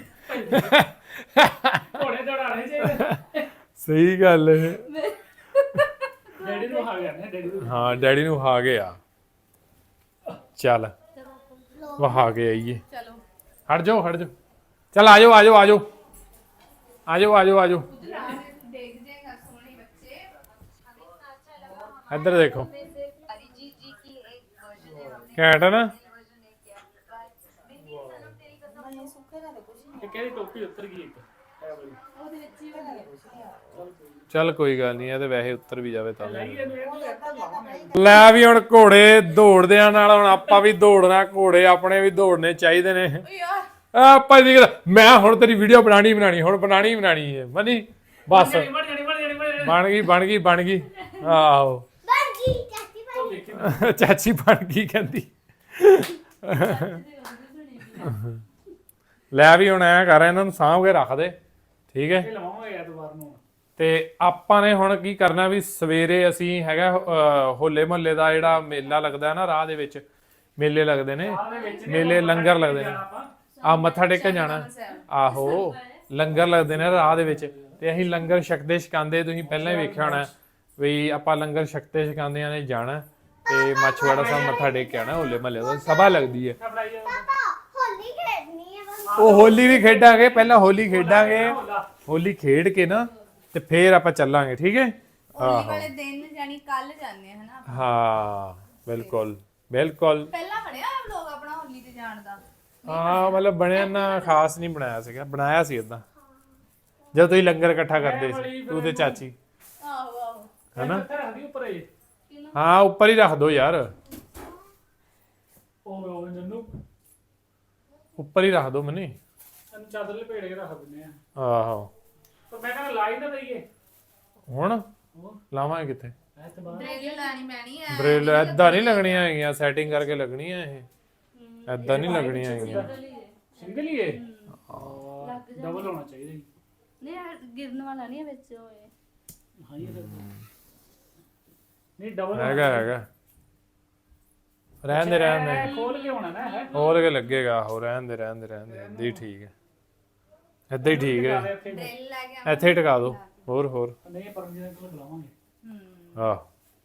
S5: ਘੋੜੇ ਦੌੜਾਣੇ ਚਾਹੀਦੇ
S2: ਸਹੀ ਗੱਲ ਹੈ
S5: ਡੈਡੀ ਨੂੰ ਆ ਗਿਆ ਨਾ ਡੈਡੀ ਨੂੰ
S2: ਹਾਂ ਡੈਡੀ ਨੂੰ ਵਹਾ ਕੇ ਆ ਚੱਲ ਵਹਾ ਕੇ ਆਈਏ
S3: ਚਲੋ
S2: ਹਟ ਜਾਓ ਚੱਲ ਆ ਜਾਓ
S3: ਦੇਖ ਜਾਏਗਾ ਸੋਹਣੇ ਬੱਚੇ
S2: ਇੱਧਰ ਦੇਖੋ
S3: अरिजीत जी की एक वर्जन है हमने
S2: ਘੈਂਟ ਹੈ ਨਾ
S3: वर्जन नहीं किया दीदी सनम तेरी कसम
S5: ਇਹ ਕਿਹੜੀ ਟੋਪੀ ਉੱਤਰ ਗਈ ਇੱਕ ਇਹ ਵਾਲੀ
S2: ਚੱਲ ਕੋਈ ਗੱਲ ਨਹੀਂ ਇਹ ਤੇ ਵੈਸੇ ਉੱਤਰ ਵੀ ਜਾਵੇ ਤਾਂ
S5: ਇਹਨੂੰ ਲਾਉਣਾ
S2: ਲੈ ਵੀ ਹੁਣ ਘੋੜੇ ਦੌੜਦਿਆਂ ਨਾਲ ਹੁਣ ਆਪਾਂ ਵੀ ਦੌੜਨਾ ਘੋੜੇ ਆਪਣੇ ਵੀ ਦੌੜਨੇ ਚਾਹੀਦੇ ਨੇ
S3: यार
S2: ਆਪਾਂ ਦੀ ਮੈਂ ਹੁਣ ਤੇਰੀ ਵੀਡੀਓ ਬਣਾਣੀ ਹੁਣ ਬਣਾਣੀ ਹੈ ਮਨੀ ਬਸ
S5: ਮੜ ਜਾਣੀ
S2: ਬਣ ਗਈ ਆਹੋ
S4: ਬਾਕੀ ਚਾਚੀ ਭਾਈ
S2: ਚਾਚੀ ਬਣ ਗਈ ਕਹਿੰਦੀ ਲੈ ਵੀ ਹੁਣ ਐ ਕਰ ਇਹਨਾਂ ਨੂੰ ਸਾਂਭ ਕੇ ਰੱਖ ਦੇ ਠੀਕ ਹੈ
S5: ਇਹ ਲਵਾਵਾਂਗੇ ਐਤਵਾਰ ਨੂੰ
S2: ਤੇ ਆਪਾਂ ਨੇ ਹੁਣ ਕੀ ਕਰਨਾ ਵੀ ਸਵੇਰੇ ਅਸੀਂ ਹੈਗਾ ਹੋਲੇ ਮਹੱਲੇ ਦਾ ਜਿਹੜਾ ਮੇਲਾ ਲੱਗਦਾ ਹੈ ਨਾ ਰਾਹ ਦੇ ਵਿੱਚ ਮੇਲੇ ਲੱਗਦੇ ਨੇ ਮੇਲੇ ਲੰਗਰ ਲੱਗਦੇ ਨੇ ਆ ਮੱਥਾ ਟੇਕਣ ਜਾਣਾ ਆਹੋ ਲੰਗਰ ਲੱਗਦੇ ਨੇ ਰਾਹ ਦੇ ਵਿੱਚ ਤੇ ਅਸੀਂ ਲੰਗਰ ਛਕਦੇ ਛਕਾਉਂਦੇ ਤੁਸੀਂ ਪਹਿਲਾਂ ਹੀ ਵੇਖਿਆ ਹੋਣਾ ਵੀ ਆਪਾਂ ਲੰਗਰ ਛਕਦੇ ਛਕਾਉਂਦਿਆਂ ਨੇ ਜਾਣਾ ਤੇ ਮਾਛੀਵਾੜਾ ਸਾਹਿਬ ਮੱਥਾ ਟੇਕ ਕੇ ਆਣਾ ਹੋਲੇ ਮਹੱਲੇ ਦਾ ਸਭਾ ਲੱਗਦੀ ਹੈ
S4: ਪਾਪਾ ਹੋਲੀ ਖੇਡਣੀ ਹੈ ਬਸ।
S2: ਉਹ ਹੋਲੀ ਵੀ ਖੇਡਾਂਗੇ ਪਹਿਲਾਂ ਹੋਲੀ ਖੇਡਾਂਗੇ ਹੋਲੀ ਖੇਡ ਕੇ ਨਾ ਤੇ ਫੇਰ ਆਪਾਂ ਚੱਲਾਂਗੇ ਠੀਕ ਹੈ
S3: ਹੋਲੀ ਵਾਲੇ ਦਿਨ ਜਾਨੀ ਕੱਲ ਜਾਂਦੇ ਆ ਹਨਾ
S2: ਹਾਂ ਬਿਲਕੁਲ ਬਿਲਕੁਲ
S3: ਪਹਿਲਾਂ ਬਣਿਆ ਵਲੌਗ ਆਪਣਾ ਹੋਲੀ ਤੇ ਜਾਣ ਦਾ
S2: ਹਾਂ ਮਤਲਬ ਬਣਿਆ ਨਾ ਖਾਸ ਨਹੀਂ ਬਣਾਇਆ ਸੀਗਾ ਬਣਾਇਆ ਸੀ ਏਦਾਂ ਜਦ ਤੁਸੀਂ ਲੰਗਰ ਇਕੱਠਾ ਕਰਦੇ ਸੀ ਤੂੰ ਤੇ ਚਾਚੀ
S3: ਆਹੋ ਆਹੋ
S2: ਹੈਨਾ
S5: ਇੱਥੇ ਰੱਖਦੀ ਉੱਪਰ ਇਹ
S2: ਹਾਂ ਉੱਪਰ ਹੀ ਰੱਖ ਦੋ ਯਾਰ
S5: ਉਹ ਨੰਨੂ
S2: ਉੱਪਰ ਹੀ ਰੱਖ ਦੋ ਮਨੀ
S5: ਇਹਨੂੰ ਚਾਦਰ ਲਪੇੜ ਕੇ ਰੱਖ ਦਿੰਦੇ ਆ
S2: ਆਹੋ
S5: ਪਰ ਮੈਂ ਕਹਿੰਦਾ ਲਾਈ ਨਾ ਦਈਏ
S2: ਹੁਣ ਲਾਵਾਂਗੇ ਕਿੱਥੇ
S5: ਐ ਤੇ ਬਾਅਦ
S3: ਡਰੇਲ ਲਾਣੀ ਪੈਣੀ ਹੈ
S2: ਬ੍ਰੇਲ ਏਦਾਂ ਨਹੀਂ ਲੱਗਣੀਆਂ ਹੈਗੀਆਂ ਸੈਟਿੰਗ ਕਰਕੇ ਲੱਗਣੀਆਂ ਇਹ ਏਦਾਂ ਨਹੀਂ ਲੱਗਣੀਆਂ ਹੈਗੀਆਂ
S5: ਸਿੰਗਲ ਹੀ ਇਹ ਡਬਲ ਹੋਣਾ ਚਾਹੀਦਾ ਜੀ
S6: ਨਹੀਂ ਯਾਰ ਗਿਰਨ ਵਾਲਾ ਨਹੀਂ ਹੈ ਵਿੱਚ ਹੋਏ
S5: ਹਾਂ ਇਹ ਨਹੀਂ ਡਬਲ
S2: ਹੈਗਾ ਰਹਿਣ ਦੇ
S5: ਖੋਲ ਕੇ ਹੋਣਾ ਨਾ ਹੈ
S2: ਹੋਰ ਕੇ ਲੱਗੇਗਾ ਹੋ ਰਹਿਣ ਦੇ ਏਦਾਂ ਹੀ ਠੀਕ ਹੈ ਏਦਾਂ ਹੀ ਠੀਕ ਹੈ
S3: ਡਰੇਲ ਲੈ ਕੇ
S2: ਇੱਥੇ ਹੀ ਟਿਕਾ ਦੋ ਹੋਰ
S5: ਨਹੀਂ ਪਰਮਜੀਤ ਕੋਲ ਬੁਲਾਵਾਂਗੇ
S2: ਆਹ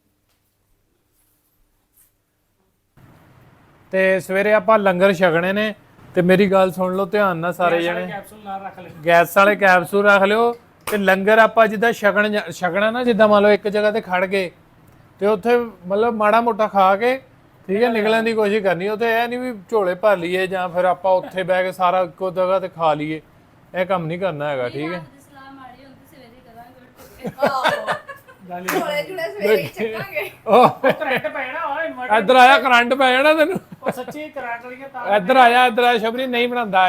S2: ਤੇ ਸਵੇਰੇ ਆਪਾਂ ਲੰਗਰ ਛਕਣੇ ਨੇ ਤੇ ਮੇਰੀ ਗੱਲ ਸੁਣ ਲਓ ਧਿਆਨ ਨਾਲ ਸਾਰੇ ਜਣੇ
S5: ਕੈਪਸੂਲ ਨਾਲ ਰੱਖ ਲੈ
S2: ਗੈਸ ਵਾਲੇ ਕੈਪਸੂਲ ਰੱਖ ਲਿਓ ਤੇ ਲੰਗਰ ਆਪਾਂ ਜਿੱਦਾਂ ਛਕਣਾ ਨਾ ਜਿੱਦਾਂ ਮੰਨ ਲਓ ਇੱਕ ਜਗ੍ਹਾ ਤੇ ਖੜ ਗਏ ਤੇ ਉੱਥੇ ਮਤਲਬ ਮਾੜਾ ਮੋਟਾ ਖਾ ਕੇ ਠੀਕ ਹੈ ਨਿਕਲਣ ਦੀ ਕੋਸ਼ਿਸ਼ ਕਰਨੀ ਉੱਥੇ ਇਹ ਨਹੀਂ ਵੀ ਝੋਲੇ ਭਰ ਲਈਏ ਜਾਂ ਫਿਰ ਆਪਾਂ ਉੱਥੇ ਬਹਿ ਕੇ ਸਾਰਾ ਇੱਕੋ ਜਗ੍ਹਾ ਤੇ ਖਾ ਲਈਏ ਇਹ ਕੰਮ ਨਹੀਂ ਕਰਨਾ ਹੈਗਾ ਠੀਕ ਹੈ
S6: ਸਲਾਹ ਮਾੜੀ ਹੁੰਦੀ ਸਵੇਰੇ ਕਰਾਂਗੇ ਉੱਠ ਕੇ
S3: ਝੋਲੇ ਝੁਲੇ ਸਵੇਰੇ ਹੀ ਚੱਕਾਂਗੇ
S2: ਉਹ
S5: ਕਰੰਟ ਪੈਣਾ ਓਏ ਇਨਵਰਟਰ
S2: ਇੱਧਰ ਆਇਆ ਕਰੰਟ ਪੈ ਜਾਣਾ ਤੈਨੂੰ
S5: ਉਹ ਸੱਚੀ ਕਰੰਟ ਵਾਲੀਆਂ ਤਾਂ
S2: ਇੱਧਰ ਆਇਆ ਸ਼ਬਰੀ ਨਹੀਂ ਬਣਾਉਂਦਾ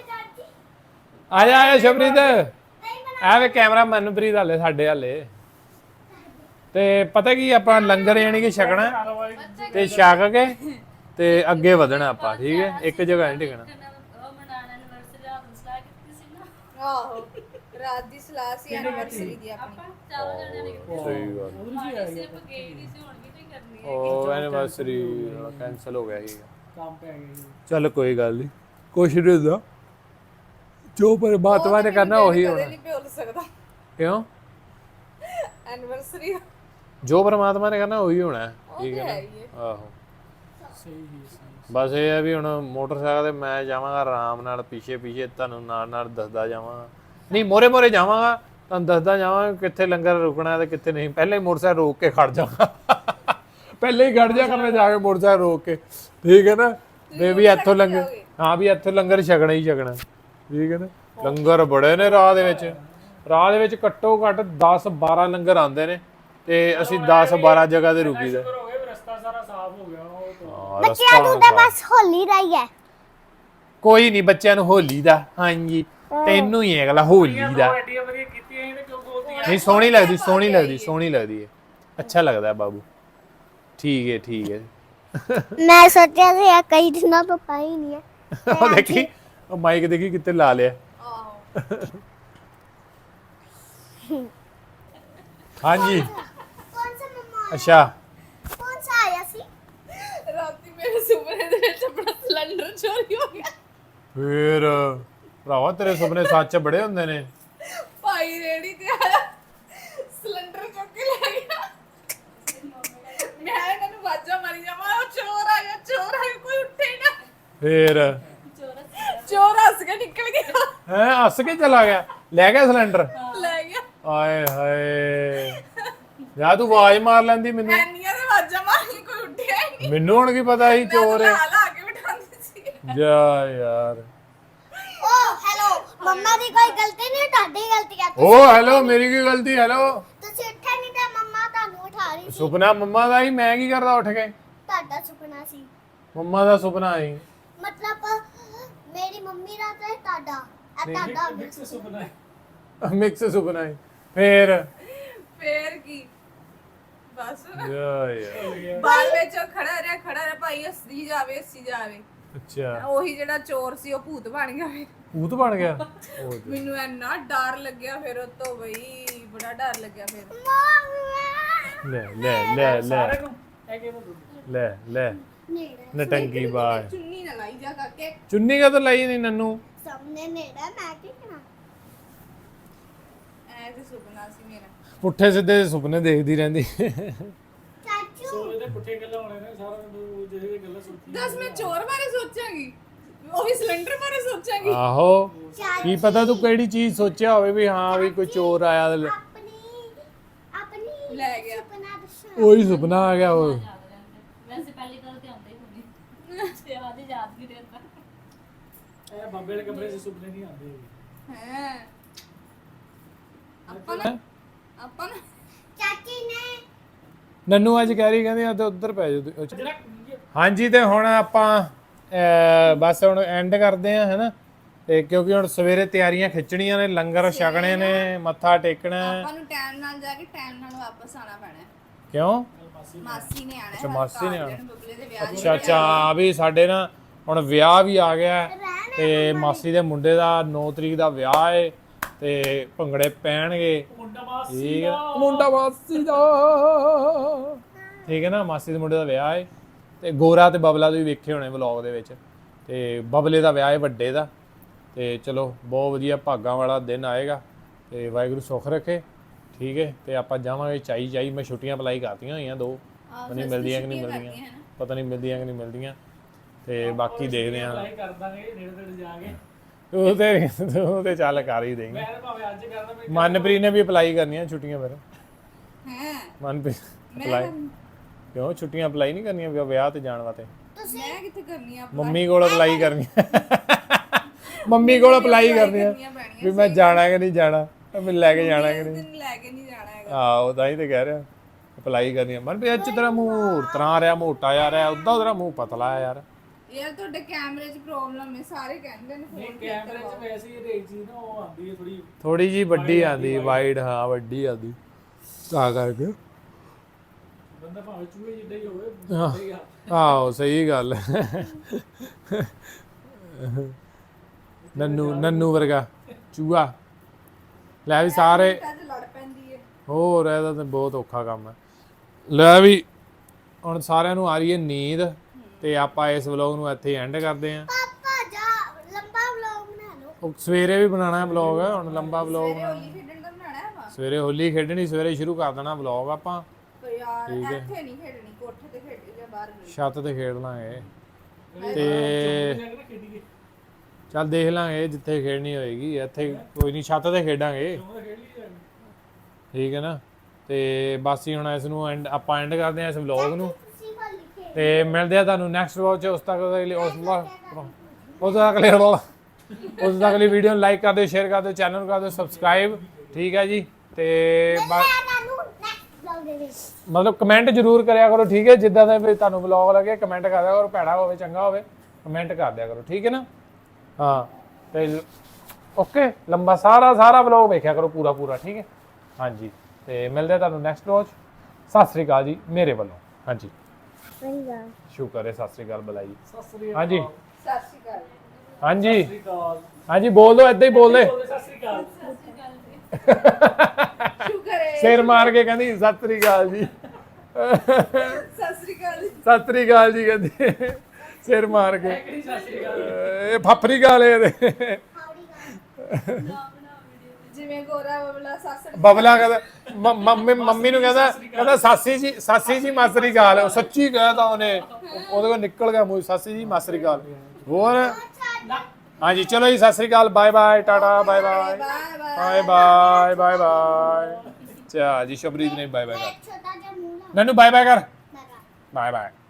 S2: ਆਇਆ ਸ਼ਬਰੀਤ ਐਵੇਂ ਕੈਮਰਾ ਮਨਪ੍ਰੀਤ ਹਾਲੇ ਸਾਡੇ ਹਾਲੇ ਤੇ ਪਤਾ ਕੀ ਆਪਾਂ ਲੰਗਰ ਯਾਨੀ ਕਿ ਛਕਣਾ ਤੇ ਛਕ ਕੇ ਤੇ ਅੱਗੇ ਵਧਣਾ ਆਪਾਂ ਠੀਕ ਹੈ ਇੱਕ ਜਗ੍ਹਾ ਨਹੀਂ ਟਿਕਣਾ
S6: ਉਹ ਮਨਾਣਾ ਐਨਵਰਸਰੀ ਰਾਤ ਨੂੰ ਸਲਾਹ ਕੀਤੀ ਸੀ ਨਾ
S3: ਆਹੋ ਰਾਤ ਦੀ ਸਲਾਹ ਸੀ ਐਨੀਵਰਸਰੀ ਦੀ ਆਪਣੀ
S6: ਆਪਾਂ ਚਾਰੋਂ ਜਣਿਆਂ ਨੇ ਕੀਤੀ
S2: ਸਹੀ ਗੱਲ
S6: ਮਾੜੀ ਸਿਰਫ ਗਈ ਨਹੀਂ ਸੀ ਹੁਣ ਵੀ ਨਹੀਂ ਕਰਨੀ ਹੈ
S2: ਉਹ ਐਨੀਵਰਸਰੀ ਕੈਨਸਲ ਹੋ ਗਿਆ ਸੀ
S5: ਕੰਮ ਪੈ ਗਿਆ ਜੀ
S2: ਚੱਲ ਕੋਈ ਗੱਲ ਨਹੀਂ ਕੁਛ ਨਹੀਂ ਹੁੰਦਾ ਜੋ ਪਰਮਾਤਮਾ ਨੇ ਕਰਨਾ ਉਹੀ ਹੋਣਾ
S3: ਨਹੀਂ ਭੁੱਲ ਸਕਦਾ
S2: ਕਿਉਂ
S3: ਐਨੀਵਰਸਰੀ
S2: ਜੋ ਪਰਮਾਤਮਾ ਨੇ ਕਰਨਾ ਉਹੀ ਹੋਣਾ ਠੀਕ ਹੈ ਨਾ ਆਹੋ
S5: ਸਹੀ
S2: ਬਸ ਇਹ ਹੈ ਵੀ ਹੁਣ ਮੋਟਰਸਾਈਕਲ ਤੇ ਮੈਂ ਜਾਵਾਂਗਾ ਆਰਾਮ ਨਾਲ ਪਿੱਛੇ ਤੁਹਾਨੂੰ ਨਾਲ ਦੱਸਦਾ ਜਾਵਾਂਗਾ ਨਹੀਂ ਮੋਰੇ ਜਾਵਾਂਗਾ ਤੁਹਾਨੂੰ ਦੱਸਦਾ ਜਾਵਾਂਗਾ ਕਿੱਥੇ ਲੰਗਰ ਰੁਕਣਾ ਤੇ ਕਿੱਥੇ ਨਹੀਂ ਪਹਿਲੇ ਹੀ ਮੋਟਰਸਾਈਕਲ ਰੋਕ ਕੇ ਖੜ ਜਾਵਾਂਗਾ ਪਹਿਲੇ ਹੀ ਖੜ ਜਾ ਕਰਨਾ ਜਾ ਕੇ ਮੋਟਰਸਾਈਕਲ ਰੋਕ ਕੇ ਠੀਕ ਹੈ ਨਾ ਤੇ ਵੀ ਇੱਥੋਂ ਲੰਗਰ ਹਾਂ ਵੀ ਇੱਥੋਂ ਲੰਗਰ ਛਕਣਾ ਹੀ ਛਕਣਾ ਠੀਕ ਹੈ ਨਾ ਲੰਗਰ ਬੜੇ ਨੇ ਰਾਹ ਦੇ ਵਿੱਚ ਘੱਟੋ ਘੱਟ 10-12 ਲੰਗਰ ਆਉਂਦੇ ਨੇ ਤੇ ਅਸੀਂ 10-12 ਜਗ੍ਹਾ ਤੇ ਰੁਕੀਦਾ
S5: ਹੋ ਗਿਆ ਰਸਤਾ ਸਾਰਾ ਸਾਫ਼ ਹੋ ਗਿਆ ਉਹ ਤਾਂ
S4: ਬੱਚਿਆਂ ਨੂੰ ਤਾਂ ਬਸ ਹੋਲੀ ਦਾ ਹੀ ਹੈ।
S2: ਕੋਈ ਨਹੀਂ ਬੱਚਿਆਂ ਨੂੰ ਹੋਲੀ ਦਾ ਹਾਂਜੀ ਤੈਨੂੰ ਹੀ ਹੈ ਅਗਲਾ ਹੋਲੀ ਦਾ
S5: ਐਡੀਆਂ ਵਧੀਆ ਕੀਤੀਆਂ ਇਹਨੇ ਕਿਉਂ ਬੋਲਦੀਆਂ
S2: ਨਹੀਂ ਸੋਹਣੀ ਲੱਗਦੀ ਹੈ ਅੱਛਾ ਲੱਗਦਾ ਬਾਬੂ ਠੀਕ ਹੈ
S4: ਮੈਂ ਸੋਚਿਆ ਸੀ ਇਹ ਕਈ ਦਿਨਾਂ ਤੋਂ ਪਾਈ ਨਹੀਂ ਹੈ।
S2: ਉਹ ਦੇਖੀ ਉਹ ਮਾਈਕ ਦੇਖੀ ਕਿੱਥੇ ਲਾ ਲਿਆ ਹਾਂਜੀ
S4: ਕੌਣ ਸਾ ਮਮਾ
S2: ਅੱਛਾ
S4: ਕੌਣ ਸਾ ਆਇਆ ਸੀ?
S3: ਰਾਤੀ ਮੇਰੇ ਸੁਪਨੇ ਦੇ ਵਿੱਚ ਆਪਣਾ ਸਿਲੰਡਰ ਚੋਰੀ ਹੋ ਗਿਆ
S2: ਫੇਰ ਭਰਾਵਾ ਤੇਰੇ ਸੁਪਨੇ ਸੱਚ ਬੜੇ ਹੁੰਦੇ ਨੇ
S3: ਭਾਈ ਰੇੜੀ ਤੇ ਆਇਆ ਸਿਲੰਡਰ ਚੁੱਕ ਕੇ ਲੈ ਗਿਆ ਮੈਂ ਇਹਨਾਂ ਨੂੰ ਵਾਜਾ ਮਾਰੀ ਜਾਵਾਂ ਉਹ ਚੋਰ ਆ ਗਿਆ ਕੋਈ ਉੱਠੇ ਹੀ ਨਾ
S2: ਫੇਰ
S3: ਚੋਰ ਹੱਸ ਕੇ ਨਿਕਲ ਗਿਆ
S2: ਹੈ ਹੱਸ ਕੇ ਚਲਾ ਗਿਆ ਲੈ ਗਿਆ ਸਿਲੰਡਰ
S3: ਲੈ ਗਿਆ
S2: ਆਏ ਹਾਏ ਯਾ ਤੂੰ ਆਵਾਜ਼ ਮਾਰ ਲੈਂਦੀ ਮੈਨੂੰ
S3: ਐਨੀਆਂ ਦੇ ਵਾਜਾ ਮਾਰੀ ਕੋਈ ਉੱਠਿਆ ਹੀ ਨਹੀਂ
S2: ਮੈਨੂੰ ਹੁਣ ਕੀ ਪਤਾ ਸੀ ਚੋਰ ਹੈ
S3: ਲਾ ਕੇ ਬਿਠਾਉਂਦੀ ਸੀ
S2: ਜਾ ਯਾਰ
S4: ਓ ਹੈਲੋ ਮੰਮਾ ਦੀ ਕੋਈ ਗਲਤੀ ਨਹੀਂ ਤੁਹਾਡੀ ਗਲਤੀ ਹੈ।
S2: ਓ ਹੈਲੋ ਮੇਰੀ ਕੀ ਗਲਤੀ ਹੈਲੋ
S4: ਤੁਸੀਂ ਉੱਠੇ ਨਹੀਂ ਤੇ ਮੰਮਾ ਤੁਹਾਨੂੰ ਉਠਾ ਰਹੀ ਸੀ।
S2: ਸੁਪਨਾ ਮੰਮਾ ਦਾ ਹੀ ਮੈਂ ਕੀ ਕਰਦਾ ਉੱਠ ਕੇ
S4: ਤੁਹਾਡਾ ਸੁਪਨਾ ਸੀ
S2: ਮੰਮਾ ਦਾ ਸੁਪਨਾ ਸੀ
S4: ਮਤਲਬ ਮੇਰੀ ਮੰਮੀ ਦਾ ਤੇ ਤੁਹਾਡਾ ਇਹ ਤੁਹਾਡਾ
S5: ਮਿਕਸ ਸੁਪਨਾ ਹੈ
S2: ਮਿਕਸ ਸੁਪਨਾ ਸੀ ਫੇਰ
S3: ਕੀ ਬਸ
S2: ਜਾ ਯਾਰ
S3: ਬਾਅਦ ਵਿੱਚ ਉਹ ਖੜਾ ਰਿਹਾ ਭਾਈ ਹੱਸੀ ਜਾਵੇ
S2: ਅੱਛਾ
S3: ਉਹੀ ਜਿਹੜਾ ਚੋਰ ਸੀ ਉਹ ਭੂਤ ਬਣ ਗਿਆ
S2: ਭੂਤ ਬਣ ਗਿਆ
S3: ਮੈਨੂੰ ਇੰਨਾ ਡਰ ਲੱਗਿਆ ਫਿਰ ਉਹ ਤੋਂ ਬਈ ਬੜਾ ਡਰ ਲੱਗਿਆ ਫਿਰ
S2: ਲੈ ਲੈ ਲੈ ਲੈ
S5: ਸਾਰਿਆਂ ਨੂੰ ਇਹ ਕਿਹਨੂੰ ਦੁੱਧ
S2: ਲੈ ਲੈ ਨਟੰਗੀ ਬਾਜ
S3: ਚੁੰਨੀ ਨਾ ਲਾਈ ਜਾ ਕਾਕੇ
S2: ਚੁੰਨੀ ਕਾ ਤਾਂ ਲਈ ਨਹੀਂ ਨੰਨੂ
S4: ਸਾਹਮਣੇ ਨੇੜਾ ਮੈਂ ਕੀ ਕਰਾਂ
S3: ਐ ਤੇ ਸੁਪਨਾ ਸੀ ਮੇਰਾ
S2: ਪੁੱਠੇ ਸਿੱਧੇ ਸੁਪਨੇ ਦੇਖਦੀ ਰਹਿੰਦੀ
S4: ਚਾਚੂ
S5: ਸੋਲੇ ਦੇ ਪੁੱਠੇ ਗੱਲਾਂ ਹੋਣੇ ਨੇ ਸਾਰਿਆਂ ਨੂੰ ਜਿਹੜੇ ਗੱਲਾਂ ਸੋਚੀ
S3: ਦੱਸ ਮੈਂ ਚੋਰ ਬਾਰੇ ਸੋਚਾਂਗੀ ਉਹ ਵੀ ਸਿਲੰਡਰ ਬਾਰੇ ਸੋਚਾਂਗੀ
S2: ਆਹੋ ਕੀ ਪਤਾ ਤੂੰ ਕਿਹੜੀ ਚੀਜ਼ ਸੋਚਿਆ ਹੋਵੇ ਵੀ ਹਾਂ ਵੀ ਕੋਈ ਚੋਰ ਆਇਆ ਤੇ
S4: ਆਪਣੀ
S3: ਲੈ ਗਿਆ
S4: ਸੁਪਨਾ ਦੱਸੋ
S2: ਉਹੀ ਸੁਪਨਾ ਆ ਗਿਆ ਉਹ
S6: ਵੈਸੇ ਪਹਿਲੀ ਗੱਲ ਤੇ ਆਉਂਦਾ ਹੀ ਨਹੀਂ ਤੇ ਆਦੀ ਯਾਦ ਨਹੀਂ ਰਹਿੰਦਾ
S5: ਇਹ ਬੰਬੇ ਦੇ ਕਮਰੇ 'ਚ ਸੁਪਨੇ ਨਹੀਂ ਆਉਂਦੇ ਹੈਗੇ।
S3: ਹੈ ਆਪਾਂ ਨਾ
S4: ਚਾਚੀ ਨੇ
S2: ਨੰਨੂ ਅੱਜ ਕਹਿ ਰਹੀ ਕਹਿੰਦੀ ਆ ਤੇ ਉੱਧਰ ਪੈ ਜਾ
S5: ਜਿਹੜਾ
S2: ਹਾਂਜੀ ਤੇ ਹੁਣ ਆਪਾਂ ਬਸ ਹੁਣ ਐਂਡ ਕਰਦੇ ਆ ਹੈਨਾ ਤੇ ਕਿਉਂਕਿ ਹੁਣ ਸਵੇਰੇ ਤਿਆਰੀਆਂ ਖਿੱਚਣੀਆਂ ਨੇ ਲੰਗਰ ਛਕਣੇ ਨੇ ਮੱਥਾ ਟੇਕਣਾ ਹੈ।
S3: ਆਪਾਂ ਨੂੰ ਟਾਈਮ ਨਾਲ ਜਾ ਕੇ ਟਾਈਮ ਨਾਲ ਵਾਪਸ ਆਣਾ ਪੈਣਾ ਹੈ।
S2: ਕਿਉਂ
S3: ਮਾਸੀ ਨੇ ਆਣਾ
S2: ਅੱਛਾ, ਮਾਸੀ ਨੇ ਆਉਣਾ।
S3: ਬਬਲੇ ਦੇ ਵਿਆਹ
S2: ਅੱਛਾ ਅੱਛਾ ਵੀ ਸਾਡੇ ਨਾ ਹੁਣ ਵਿਆਹ ਵੀ ਆ ਗਿਆ ਹੈ ਤੇ ਮਾਸੀ ਦੇ ਮੁੰਡੇ ਦਾ 9 ਤਰੀਕ ਦਾ ਵਿਆਹ ਏ ਤੇ ਭੰਗੜੇ ਪੈਣਗੇ
S5: ਮੁੰਡਾ ਮਾਸੀ
S2: ਠੀਕ ਹੈ ਮੁੰਡਾ ਮਾਸੀ ਦਾ ਠੀਕ ਹੈ ਨਾ ਮਾਸੀ ਦੇ ਮੁੰਡੇ ਦਾ ਵਿਆਹ ਏ ਤੇ ਗੋਰਾ ਤੇ ਬਬਲਾ ਤੁਸੀਂ ਵੇਖੇ ਹੋਣੇ ਵਲੌਗ ਦੇ ਵਿੱਚ ਤੇ ਬਬਲੇ ਦਾ ਵਿਆਹ ਏ ਵੱਡੇ ਦਾ ਤੇ ਚਲੋ ਬਹੁਤ ਵਧੀਆ ਭਾਗਾਂ ਵਾਲਾ ਦਿਨ ਆਏਗਾ ਤੇ ਵਾਹਿਗੁਰੂ ਸੁੱਖ ਰੱਖੇ ਠੀਕ ਹੈ ਤੇ ਆਪਾਂ ਜਾਵਾਂਗੇ ਚਾਈ ਮੈਂ ਛੁੱਟੀਆਂ ਅਪਲਾਈ ਕਰਤੀਆਂ ਹੋਈਆਂ 2 ਪਤਾ ਨਹੀਂ ਮਿਲਦੀਆਂ ਕਿ ਨਹੀਂ ਮਿਲਦੀਆਂ ਪਤਾ ਨਹੀਂ ਮਿਲਦੀਆਂ ਕਿ ਨਹੀਂ ਮਿਲਦੀਆਂ ਤੇ ਬਾਕੀ ਦੇਖਦੇ ਆਂ
S5: ਅਪਲਾਈ ਕਰ ਦਾਂਗੇ ਨੇੜੇ ਤੇੜੇ ਜਾ ਕੇ
S2: ਉਹ ਤੇ ਚੱਲ ਕਰ ਹੀ ਦੇਂਗੇ
S5: ਮੈਂ ਤਾਂ ਭਾਵੇਂ ਅੱਜ ਕਰਦਾ ਮੈਂ
S2: ਮਨਪ੍ਰੀਤ ਨੇ ਵੀ ਅਪਲਾਈ ਕਰਨੀਆਂ ਛੁੱਟੀਆਂ ਫਿਰ
S3: ਹੈ
S2: ਮਨਪ੍ਰੀਤ ਅਪਲਾਈ ਕਿਉਂ ਛੁੱਟੀਆਂ ਅਪਲਾਈ ਨਹੀਂ ਕਰਨੀਆਂ ਵਿਆਹ ਤੇ ਜਾਣ ਵਾਸਤੇ
S3: ਮੈਂ ਕਿੱਥੇ ਕਰਨੀ ਆ
S2: ਮੰਮੀ ਕੋਲ ਅਪਲਾਈ ਕਰਨੀ ਮੰਮੀ ਕੋਲ ਅਪਲਾਈ ਕਰਨੀ ਆ ਵੀ ਮੈਂ ਜਾਣਾ ਕਿ ਨਹੀਂ ਜਾਣਾ ਮੈਨੂੰ ਲੈ ਕੇ ਜਾਣਾ ਕਿ ਨਹੀਂ
S3: ਤੈਨੂੰ ਲੈ ਕੇ ਨਹੀਂ ਜਾਣਾ ਹੈਗਾ
S2: ਆਹੋ ਤਾਂ ਹੀ ਤੇ ਕਹਿ ਰਿਹਾ ਅਪਲਾਈ ਕਰਨੀ ਆ ਮਨ ਵੀ ਅੱਜ ਤੇਰਾ ਮੂੰਹ ਤਰਾ ਰਿਹਾ ਮੋਟਾ ਜਾ ਰਿਹਾ ਉਦਾਂ ਤੇਰਾ ਮੂੰਹ ਪਤਲਾ ਆ ਯਾਰ
S3: ਯਾਰ ਤੁਹਾਡੇ ਕੈਮਰੇ 'ਚ ਪ੍ਰੋਬਲਮ ਹੈ ਸਾਰੇ ਕਹਿੰਦੇ ਨੇ
S5: ਨਹੀਂ
S3: ਫੋਨ
S5: ਕੈਮਰੇ 'ਚ ਵੈਸੇ ਹੀ ਰੇਜ ਚੀਜ਼ ਨਾ ਉਹ ਆਉਂਦੀ ਹੈ ਥੋੜੀ
S2: ਥੋੜੀ ਜੀ ਵੱਡੀ ਆਂਦੀ ਵਾਈਡ ਹਾਂ ਵੱਡੀ ਆਂਦੀ ਤਾਂ ਕਰਕੇ
S5: ਬੰਦਾ ਭਾਵੇਂ ਚੂਹੇ ਜਿੱਡਾ ਹੀ ਹੋਵੇ ਸਹੀ ਆ
S2: ਆਹੋ ਸਹੀ ਗੱਲ ਨੰਨੂ ਵਰਗਾ ਚੂਹਾ ਲੈ ਵੀ ਸਾਰੇ
S3: ਅੱਜ ਲੜ ਪੈਂਦੀ ਹੈ
S2: ਹੋਰ ਇਹਦਾ ਤਾਂ ਬਹੁਤ ਔਖਾ ਕੰਮ ਹੈ ਲੈ ਵੀ ਹੁਣ ਸਾਰਿਆਂ ਨੂੰ ਆ ਰਹੀ ਹੈ ਨੀਂਦ ਤੇ ਆਪਾਂ ਇਸ ਵਲੌਗ ਨੂੰ ਇੱਥੇ ਐਂਡ ਕਰਦੇ ਆਂ
S4: ਪਾਪਾ ਜਾ ਲੰਬਾ ਵਲੌਗ ਬਣਾ ਲਓ
S2: ਉਹ ਸਵੇਰੇ ਵੀ ਬਣਾਉਣਾ ਹੈ ਵਲੌਗ ਹੁਣ ਲੰਬਾ ਵਲੌਗ
S3: ਹੋਲੀ ਖੇਡਣ ਦਾ ਬਣਾਣਾ ਹੈ ਵਾ
S2: ਸਵੇਰੇ ਹੋਲੀ ਖੇਡਣੀ ਸਵੇਰੇ ਸ਼ੁਰੂ ਕਰ ਦੇਣਾ ਵਲੌਗ ਆਪਾਂ
S3: ਪਰ ਯਾਰ ਇੱਥੇ ਨਹੀਂ ਖੇਡਣੀ ਕੋਠੇ ਤੇ ਖੇਡੀ ਜਾਂ ਬਾਹਰ ਗਲੀ
S2: ਛੱਤ ਤੇ ਖੇਡ ਲਾਂਗੇ
S5: ਤੇ
S2: ਤੇ
S5: ਖੇਡੀਏ
S2: ਚੱਲ ਦੇਖ ਲਾਂਗੇ ਜਿੱਥੇ ਖੇਡਣੀ ਹੋਏਗੀ ਇੱਥੇ ਕੋਈ ਨਹੀਂ ਛੱਤ ਤੇ ਖੇਡਾਂਗੇ
S5: ਉਹ ਖੇਡ ਲਈ
S2: ਠੀਕ ਹੈ ਨਾ ਤੇ ਬਸ ਹੀ ਹੁਣ ਇਸ ਨੂੰ ਆਪਾਂ ਐਂਡ ਕਰਦੇ ਹਾਂ ਇਸ ਵਲੌਗ ਨੂੰ
S4: ਤੁਸੀਂ ਬੋਲ ਲਿਖੇ
S2: ਤੇ ਮਿਲਦੇ ਆ ਤੁਹਾਨੂੰ ਨੈਕਸਟ ਵਲੌਗ 'ਚ ਉਸ ਤੱਕ ਦੇ ਲਈ ਉਸ ਤੱਕ ਲਈ ਵੀਡੀਓ ਨੂੰ ਲਾਈਕ ਕਰ ਦਿਓ ਸ਼ੇਅਰ ਕਰ ਦਿਓ ਚੈਨਲ ਨੂੰ ਕਰ ਦਿਓ ਸਬਸਕ੍ਰਾਈਬ ਠੀਕ ਹੈ ਜੀ ਤੇ
S4: ਤੁਹਾਨੂੰ ਨੈਕਸਟ ਵਲੌਗ ਦੇ ਵਿੱਚ
S2: ਮਤਲਬ ਕਮੈਂਟ ਜ਼ਰੂਰ ਕਰਿਆ ਕਰੋ ਠੀਕ ਹੈ ਜਿੱਦਾਂ ਦਾ ਵੀ ਤੁਹਾਨੂੰ ਵਲੌਗ ਲੱਗੇ ਕਮੈਂਟ ਕਰ ਦਿਆ ਕਰੋ ਭੈੜਾ ਹੋਵੇ ਚੰਗਾ ਹੋਵੇ ਕਮੈਂਟ ਕਰ ਦਿਆ ਕਰੋ ਠੀਕ ਹੈ ਨਾ ਹਾਂ ਤੇ ਓਕੇ ਲੰਬਾ ਸਾਰਾ ਵਲੌਗ ਵੇਖਿਆ ਕਰੋ ਪੂਰਾ ਠੀਕ ਹੈ ਹਾਂਜੀ ਤੇ ਮਿਲਦੇ ਆ ਤੁਹਾਨੂੰ ਨੈਕਸਟ ਵਲੌਗ 'ਚ ਸਤਿ ਸ੍ਰੀ ਅਕਾਲ ਜੀ ਮੇਰੇ ਵੱਲੋਂ ਹਾਂਜੀ ਸ਼ੁਕਰ ਹੈ ਸਤਿ ਸ੍ਰੀ ਅਕਾਲ ਬੁਲਾਈ
S5: ਸਤਿ ਸ੍ਰੀ ਅਕਾਲ
S2: ਹਾਂਜੀ
S3: ਸਤਿ ਸ਼੍ਰੀ ਅਕਾਲ
S2: ਹਾਂਜੀ
S5: ਸਤਿ ਸ੍ਰੀ ਅਕਾਲ
S2: ਹਾਂਜੀ ਬੋਲ ਦੋ ਏਦਾਂ ਹੀ ਬੋਲ ਦੇ
S5: ਸਤਿ ਸ੍ਰੀ ਅਕਾਲ
S3: ਸ਼ੁਕਰ ਹੈ
S2: ਸਿਰ ਮਾਰ ਕੇ ਕਹਿੰਦੀ ਸਤਿ ਸ੍ਰੀ ਅਕਾਲ ਜੀ
S3: ਸਤਿ ਸ਼੍ਰੀ ਅਕਾਲ
S2: ਸਤਿ ਸ੍ਰੀ ਅਕਾਲ ਜੀ ਕਹਿੰਦੀ ਸਿਰ ਮਾਰ ਕੇ
S5: ਕਿਹੜੀ ਸਤਿ ਸ੍ਰੀ ਅਕਾਲ
S2: ਇਹ ਫਾਫਰੀ ਗਾਲ ਇਹਦੇ
S3: ਜਿਵੇਂ ਗੋਰਾ ਬਬਲਾ ਸੱਸ
S2: ਬਬਲਾ ਕਹਿੰਦਾ ਮੰਮੀ ਨੂੰ ਕਹਿੰਦਾ ਸਾਸੀ ਜੀ ਮਾਸਰੀ ਗਾਲ ਉਹ ਸੱਚੀ ਕਹਿਦਾ ਉਹਨੇ ਉਹਦੇ ਕੋਲ ਨਿਕਲ ਗਿਆ ਮੂੰਹ ਸਾਸੀ ਜੀ ਮਾਸਰੀ ਗਾਲ ਹੋਰ ਹਾਂਜੀ ਚਲੋ ਜੀ ਸਤਿ ਸ੍ਰੀ ਅਕਾਲ bye bye tata bye bye bye bye ਚਾ ਜੀ ਸ਼ਬਰੀਤ ਨੇ ਬਾਏ ਬਾਏ ਕਰ
S4: ਛੋਟਾ ਜਿਹਾ ਮੂੰਹ ਲਾ
S2: ਨੰਨੂ ਬਾਏ ਬਾਏ ਕਰ ਬਾਏ ਬਾਏ